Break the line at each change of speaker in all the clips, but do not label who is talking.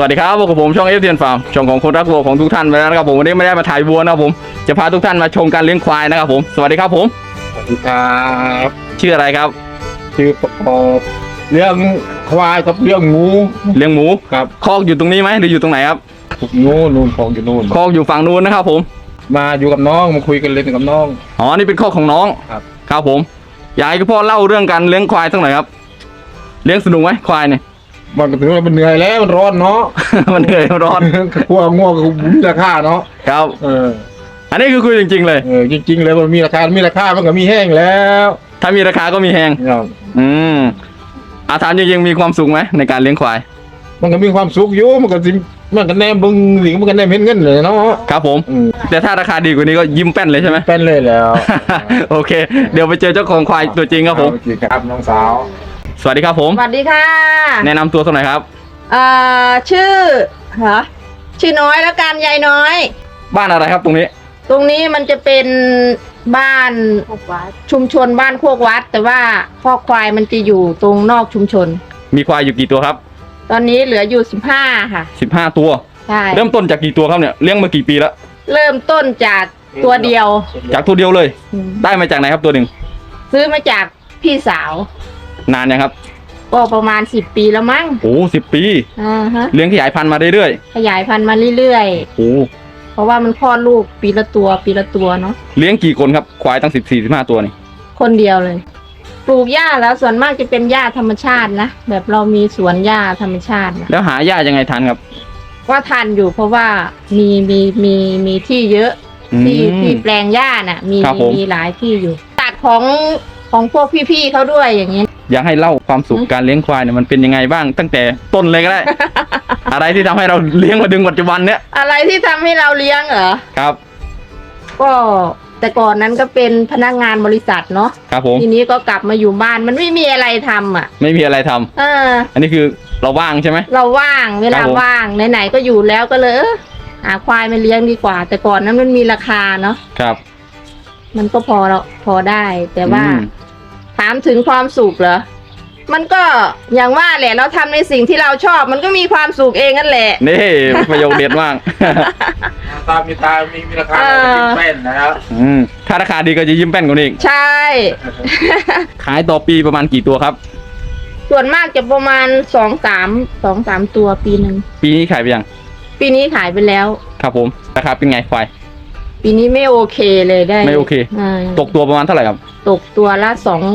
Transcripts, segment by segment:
วัสดีครับพบกับผมช่องเอฟเทียนฟาร์มช่องของคนรักวัวของทุกท่านไปแล้วนะครับผมวันนี้ไม่ได้มาถ่ายวัวนะครับผมจะพาทุกท่านมาชมการเลี้ยงควายนะครับผมสวัสดีครับผม
สวัสดีครับ
ชื่ออะไรครับ
ชื่อประกอบเรื่องควายกับเรื่องงู
เลี้ยงหมู
ครับ
คอกอยู่ตรงนี้ไหมหรืออยู่ตรงไหนครับ
นู่นของอยู่นู่น
คอกอยู่ฝั่งนู้นนะครับผม
มาอยู่กับน้องมาคุยกันเล่นกับน้อง
อ๋อนี่เป็นคอกของน้องครับผมอยากให้พ่อเล่าเรื่องการเลี้ยงควายสักหน่อยครับเลี้ยงสนุกไหมควายเนี่ย
มันก็ถือว่ามันเหนื่อยแล้วมันร้อนเนาะ
มันเหนื่อยมันร้อน
พวกง่วงก็มีราคาเนาะ
ครับอันนี้คือคุยจริงๆเลย
จริงๆเลยมันมีราคามันก็มีแห้งแล้ว
ถ้ามีราคาก็มีแห้งอาถามจริงๆมีความสุขไหมในการเลี้ยงควาย
มันก็มีความสุขอยู่มันก็แนมบึงสิมันก็แนมเห็นเงินเลยเนาะ
ครับผมแต่ถ้าราคาดีกว่านี้ก็ยิ้มแป้นเลยใช่ไหม
แป้นเลยแล้ว
โอเคเดี๋ยวไปเจอเจ้าของควายตัวจริงครับผม
ครับน้องสาว
สวัสดีครับผม
สวัสดีค่ะ
แนะนำตัวสักหน่อยครับ
ชื่อน้อยแล้วกันยายน้อย
บ้านอะไรครับตรงนี้
มันจะเป็นบ้านชุมชนบ้านโคกวัดแต่ว่าคอกควายมันจะอยู่ตรงนอกชุมชน
มีควายอยู่กี่ตัวครับ
ตอนนี้เหลืออยู่15ค่ะ
15ตัว
ใช่
เริ่มต้นจากกี่ตัวครับเนี่ยเลี้ยงมากี่ปีแล้ว
เริ่มต้นจากตัวเดียว
จากตัวเดียวเลยได้มาจากไหนครับตัวหนึ่ง
ซื้อมาจากพี่สาวน
านยังครับ
ก็ประมาณ10 ปีแล้วมั้ง
โอ้10 ปีเลี้ยงขยายพันธุ์มาเรื่อย
ๆขยายพันธุ์มาเรื่อย
ๆโอ้
เพราะว่ามันคลอดลูกปีละตัวเนาะ
เลี้ยงกี่คนครับควายตั้ง14-15ตัวนี่
คนเดียวเลยปลูกหญ้าแล้วส่วนมากจะเป็นหญ้าธรรมชาตินะแบบเรามีสวนหญ้าธรรมชาติ
แล้วหาหญ้ายังไงทันครับ
ว่าทันอยู่เพราะว่ามีที่เยอะที่แปลงหญ้าน่ะมีหลายที่อยู่ตัดของพวกพี่ๆเขาด้วยอย่างเงี้ย
อยากให้เล่าความสุขการเลี้ยงควายเนี่ยมันเป็นยังไงบ้างตั้งแต่ต้นเลยก็ได้ อะไรที่ทำให้เราเลี้ยงมาถึงปัจจุบันเนี้ย
อะไรที่ทำให้เราเลี้ยงเหรอ
ครับ
ก็แต่ก่อนนั้นก็เป็นพนักงานบริษัทเนาะ
ครับผม
ทีนี้ก็กลับมาอยู่บ้านมันไม่มีอะไรทำอ่ะ
ไม่มีอะไรทำอันนี้คือเราว่างใช่ไหม
เราว่างเวลาว่างไหนๆก็อยู่แล้วก็เลยหาควายมาเลี้ยงดีกว่าแต่ก่อนนั้นมันมีราคาเนาะ
ครับ
มันก็พอได้แต่ว่าถามถึงความสุขเหรอมันก็อย่างว่าแหละเราทำในสิ่งที่เราชอบมันก็มีความสุขเองนั่นแหละ
นี่ประโยคเด็ดมาก
มีราคายิ้มแป้นนะครับ
ถ้าราคาดีก็จะยิ้มแป้นกว่านี้
ใช่
ขายต่อปีประมาณกี่ตัวครับ
ส่วนมากจะประมาณ2-3ตัวปีหนึ่ง
ปีนี้ขายไปยัง
ปีนี้ขายไปแล้ว
ครับผมราคาเป็นไงควาย
ปีนี้ไม่โอเคเลยได้
ไม่โอเคตกตัวประมาณเท่าไหร่ครับ
ตกตัวละ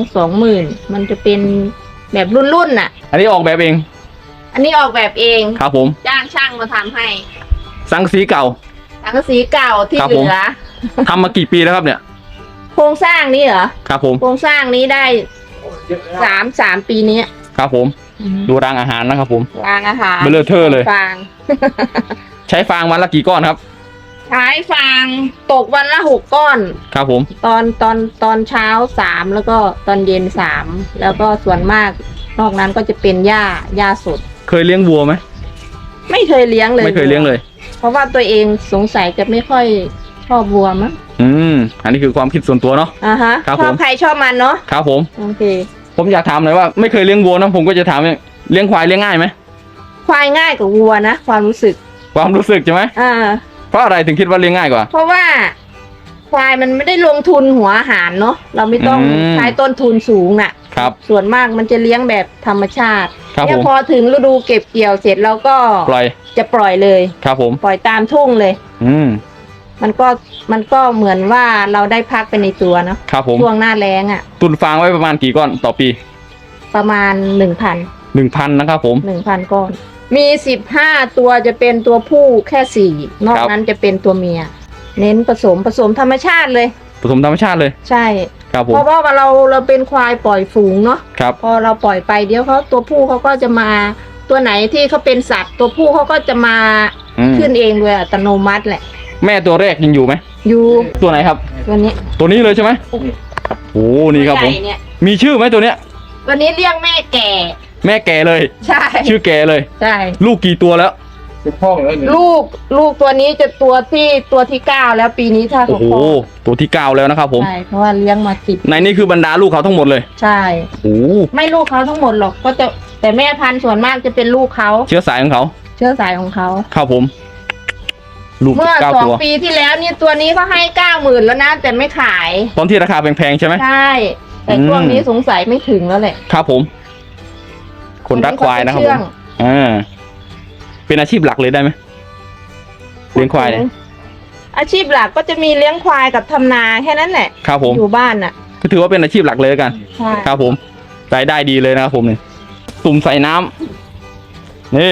20,000มันจะเป็นแบบรุ่นน่ะ
อันนี้ออกแบบเอง
อันนี้ออกแบบเอง
ครับผม
จ้างช่างมาทำให้
สังสีเก่า
ที่เหลือ
ทำมากี่ปีแล้วครับเนี่ย
โครงสร้างนี้เหรอ
ครับผม
โครงสร้างนี้ได้3 ปีนี้
ครับผมดูรางอาหารนะครับผม
รางอาหาร
เบลอเทอร์เลย
ฟาง
ใช้ฟางวันละกี่ก้อนครับ
ใช้ฟางตกวันละ6 ก้อน
ครับผม
ตอนเช้า3แล้วก็ตอนเย็น3แล้วก็ส่วนมากนอกนั้นก็จะเป็นหญ้าสด
เคยเลี้ยงวัวไหม
ไม่เคยเลี้ยงเลย
ไม่เคยเลี้ยงเลย
เพราะว่าตัวเองสงสัยจะไม่ค่อยชอบวัวมั้ง
อันนี้คือความคิดส่วนตัวเนาะ
ครับชอบใครชอบมันเนาะ
ครับผม
โอเค
ผมอยากถามหน่อยว่าไม่เคยเลี้ยงวัวนะผมก็จะถามเลี้ยงควายเลี้ยงง่ายไหม
ควายง่ายกว่าวัวนะความรู้สึก
ใช่ไหมเพราะอะไรถึงคิดว่าเลี้ยงง่ายกว่า
เพราะว่าควายมันไม่ได้ลงทุนหัวอาหารเนาะเราไม่ต้องใช้ต้นทุนสูงน่ะ
ครับ
ส่วนมากมันจะเลี้ยงแบบธรรมชาติเนี่ยพอถึงฤดูเก็บเกี่ยวเสร็จเราก็จะปล่อยเลย
ครับผม
ปล่อยตามทุ่งเลยมันก็เหมือนว่าเราได้พักไปในตัวเนาะ
ครับผม
ช่วงหน้าแล้ง
ตุนฟางไว้ประมาณกี่ก้อนต่อปี
ประมาณ 1,000
นะครับผม
1,000 ก้อนมี15 ตัวจะเป็นตัวผู้แค่4นอกนั้นจะเป็นตัวเมียเน้นผสมธรรมชาติเลย
ผสมธรรมชาติเลย
ใช่
ครับผม
เพราะว่าเราเป็นควายปล่อยฝูงเนาะ
ครับ
พอเราปล่อยไปเดี๋ยวเขาตัวผู้เขาก็จะมาตัวไหนที่เขาเป็นสัตว์ตัวผู้เขาก็จะมาขึ้นเองโดยอัตโนมัติแหละ
แม่ตัวแรกยังอยู่ไหม
อยู่
ตัวไหนครับ
ตัว
นี้เลยใช่ไหมโอ้นี่ครับผมมีชื่อไหมตัวเนี้ย
ตัวนี้เรียกแม่แก่
เลย
ใช่
ชื่อแก่เลย
ใช่
ลูกกี่ตัวแล้ว
ลูกตัวนี้จะตัวที่9แล้วปีนี้ถ้าเขา
ตัวที่9แล้วนะครับผม
ใช่เพราะว่าเลี้ยงมา10
ในนี้คือบรรดาลูกเขาทั้งหมดเลย
ใช่ไม่ลูกเขาทั้งหมดหรอกก็จะแต่แม่พันธุ์ส่วนมากจะเป็นลูกเขา
เชื้อสายของเขา
เชื้อสายของเขา
ครับผมลูก
เมื่อ
9
2
ตัว
ปีที่แล้วนี่ตัวนี้ก็ให้90,000แล้วนะแต่ไม่ขาย
ตอนที่ราคาแพงๆใช่ไหม
ใช่แต่ช่วงนี้สงสัยไม่ถึงแล้วแหละ
ครับผม คนรักควายนะครับผมเป็นอาชีพหลักเลยได้ไหมเลี้ยงควายเนี่ย
อาชีพหลักก็จะมีเลี้ยงควายกับทำนาแค่นั้นแหละ
ครับผม
อยู่บ้านน่ะ
ก็ถือว่าเป็นอาชีพหลักเลยกัน
ใช่
ครับผมรายได้ดีเลยนะครับผมเนี่ยตุ่มใส่น้ำนี่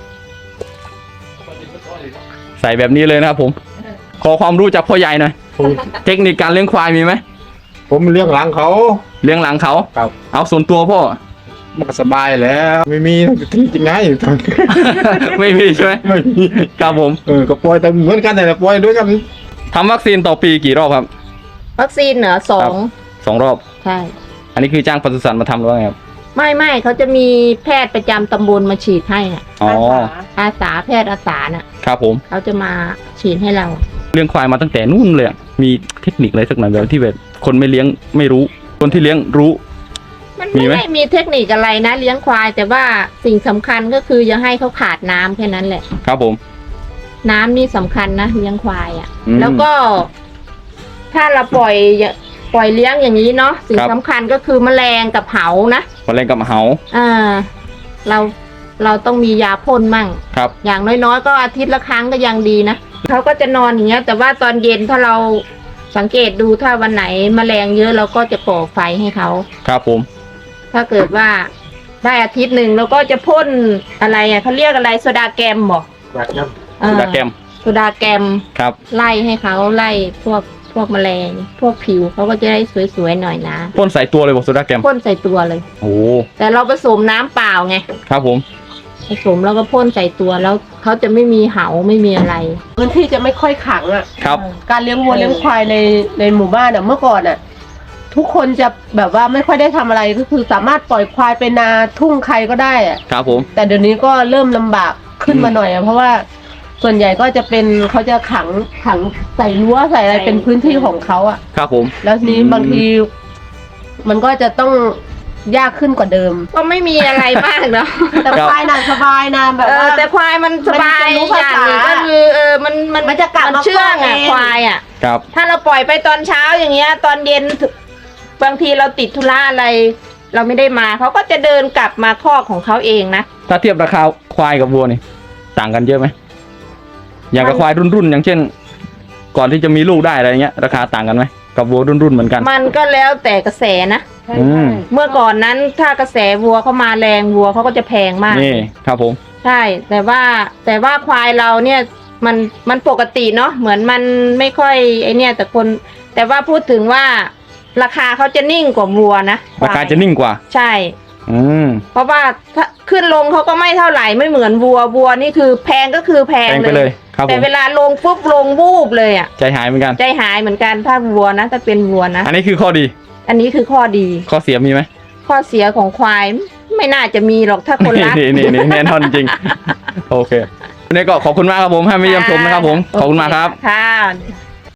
ใส่แบบนี้เลยนะครับผม ขอความรู้จากพ่อใหญ่หน่อยเทคนิคการเลี้ยงควายมีไหม
ผมเลี้ยงหลังเขา
เลี้ยงหลังเขา
ครับ
เอาส่วนตัวพ่อ
มันก็สบายแล้ว ไม่มีที่จริงไง
ไม่มีใช่ไหม
ไม่มี
ครับผม
ก็ปล่อยแต่เหมือนกันแต่ปล่อยด้วยกัน
ทำวัคซีนต่อปีกี่รอบครับ
วัคซีนเหนือสอ
ครั
ง
บ 2 รอบ
ใช่
อันนี้คือจ้างปศุสัตว์มาทำหรือว่าไงครับ
ไม่เขาจะมีแพทย์ประจำตำบลมาฉีดให้น่ะ
อ๋อ
อาสาแพทย์อาสาน่ะ
ครับผม
เขาจะมาฉีดให้เรา
เลี้ยงควายมาตั้งแต่นู่นเลยอะมีเทคนิคอะไรสักหน่อยแบบที่แบบคนไม่เลี้ยงไม่รู้ คนที่เลี้ยงรู้
มัน
มี
ไม่
ไหม
ได้มีเทคนิคอะไรนะเลี้ยงควาย แต่ว่าสิ่งสำคัญก็คืออย่าให้เขาขาดน้ำแค่นั้นแหละ
ครับผม
น้ำนี่สำคัญนะเลี้ยงควายอ่ะ
อืม
แล้วก็ถ้าเราปล่อยเลี้ยงอย่างนี้เนาะสิ่ง
ครับ
สำคัญก็คือแมลงกับเหานะ
มาเล่นกับเหา
อ่าเราต้องมียาพ่นมั่ง
ครับ
อย่างน้อยๆก็อาทิตย์ละครั้งก็ยังดีนะเขาก็จะนอนอย่างเงี้ย แต่ว่าตอนเย็นถ้าเราสังเกตดูถ้าวันไหนแมลงเยอะเราก็จะก่อไฟให้เขา
ครับผม
ถ้าเกิดว่าได้อาทิตย์หนึ่งเราก็จะพ่นอะไรอ่ะเขาเรียกอะไรโซดาแกมบอก
ดาแกม
โซดาแกม
ครับ
ไล่ให้เขาไล่พวกแมลง พวกผิวเขาก็จะได้สวยๆหน่อยนะ
พ่นใส่ตัวเลยบอกโซดาแกม
พ่นใส่ตัวเลย
โอ้
แต่เราผสมน้ำเปล่าไง
ครับผม
ผสมแล้วก็พ่นใส่ตัวแล้วเขาจะไม่มีเหาไม่มีอะไร
พื้นที่จะไม่ค่อยขังอ่ะ
ครับ
การเลี้ยงวัวเลี้ยงควายในหมู่บ้านอ่ะเมื่อก่อนอ่ะ ทุกคนจะแบบว่าไม่ค่อยได้ทำอะไรก็คือสามารถปล่อยควายไปนาทุ่งใครก็ได้อ่ะ
ครับผม
แต่เดี๋ยวนี้ก็เริ่มลำบากขึ้นมาหน่อยอ่ะเพราะว่าส่วนใหญ่ก็จะเป็นเขาจะขังใส่รั้วใส่อะไรเป็นพื้นที่ของเขาอ่ะ
ครับผม
แล้วทีนี้บางที มันก็จะต้องยากขึ้นกว่าเดิม
ก็ไม่มีอะไรมากเนาะ
แต่ควายน่ะสบายนะแบบว่า
แต่ควายมันสบาย
มันจะรู้
อ
ภา
ย่าง
ษา
หนึ่งก็คือมัน
จะกลับมา
เชื่องอ่ะ
เอง
ควายอ่ะ
ครับ
ถ้าเราปล่อยไปตอนเช้าอย่างเงี้ย ตอนเย็นบางทีเราติดธุระอะไร เราไม่ได้มาเขาก็จะเดินกลับมาคอกของเขาเองนะ
ถ้าเทียบราคาควายกับวัวนี่ต่างกันเยอะไหมอย่างกับควายรุ่นๆอย่างเช่น ก่อนที่จะมีลูกได้อะไรเงี้ย ราคาต่างกันไหมกับวัวรุ่นๆเหมือนกัน
มันก็แล้วแต่กระแสนะ
อืม
เมื่อก่อนนั้นถ้ากระแสวัวเขามาแรงวัวเขาก็จะแพงมาก
นี่ครับผม
ใช่ แต่ว่าควายเราเนี่ยมันปกติเนาะเหมือนมันไม่ค่อยไอเนี่ยแต่ว่าพูดถึงว่าราคาเขาจะนิ่งกว่าวัวนะคว
ราย คาจะนิ่งกว่า
ใช่
อืม
เพราะว่าถ้าขึ้นลงเขาก็ไม่เท่าไหร่ไม่เหมือนวัวนี่คือแพงก็คือแพง
แพงไปเลยครับผ
แต่
ม
เวลาลงปุ๊บลงวูบเลยอ่ะ
ใจหายเหมือนกัน
ใจหายเหมือนกันถ้าวัวนะถ้าเป็นวัวนะ
อันนี้คือข้อดี
อันนี้คือข้อดี
ข้อเสียมีไหม
ข้อเสียของควายไม่น่าจะมีหรอกถ้าคนรัก
นี่แน่นอนจริง โอเควันนี้ก็ขอบคุณมากครับผมให้มาเยี่ยมชมนะครับผม ขอบคุณมากครับ
ค่ะ